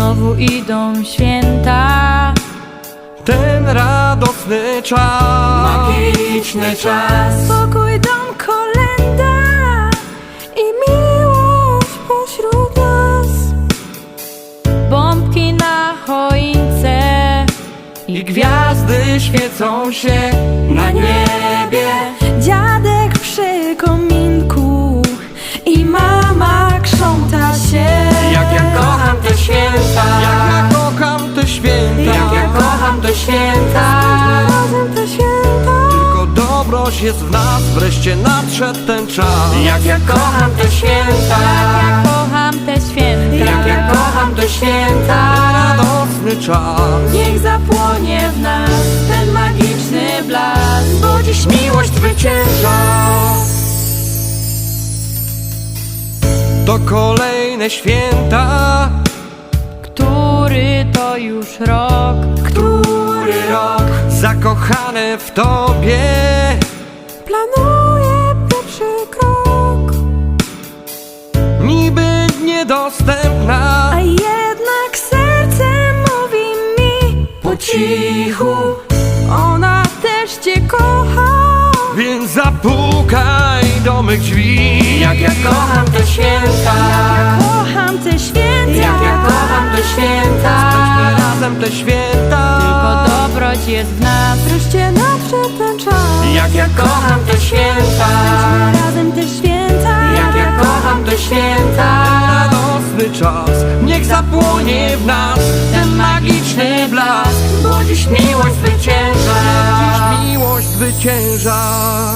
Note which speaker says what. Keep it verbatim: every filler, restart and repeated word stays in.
Speaker 1: znowu idą święta.
Speaker 2: Ten radosny czas,
Speaker 3: magiczny czas.
Speaker 1: Spokój, dom, kolenda i miłość pośród nas. Bombki na choince
Speaker 2: i gwiazdy świecą się
Speaker 3: Na niebie
Speaker 1: dziadek przy kominku i mama krząta się.
Speaker 3: jak ja kocham te święta,
Speaker 2: jak ja kocham te święta.
Speaker 3: jak ja kocham te święta.
Speaker 1: Razem te święta.
Speaker 2: Tylko dobroć jest w nas, wreszcie nadszedł ten czas.
Speaker 3: Jak ja kocham te święta,
Speaker 1: Ja kocham te święta.
Speaker 3: jak ja kocham te święta.
Speaker 2: Radosny czas,
Speaker 1: Niech zapłonie w nas ten magiczny blask,
Speaker 3: Bo dziś miłość zwycięża.
Speaker 2: to kolejne święta.
Speaker 1: który to już rok.
Speaker 3: Który rok
Speaker 2: Zakochane w Tobie,
Speaker 1: Planuję pierwszy krok,
Speaker 2: niby niedostępna,
Speaker 1: a jednak serce mówi mi
Speaker 3: po cichu,
Speaker 1: ona też Cię kocha.
Speaker 2: więc zapukaj do mych drzwi.
Speaker 3: jak ja kocham te święta,
Speaker 1: Kocham te święta.
Speaker 3: jak ja kocham te święta.
Speaker 2: Spędźmy razem te święta.
Speaker 1: Tylko dobroć jest w nas, wreszcie nadszedł ten czas.
Speaker 3: Jak ja kocham te święta,
Speaker 1: Razem te święta.
Speaker 3: jak ja kocham te święta.
Speaker 2: Radosny czas, niech zapłonie w nas ten magiczny blask.
Speaker 3: Bo dziś miłość zwycięża.
Speaker 2: Dziś miłość zwycięża.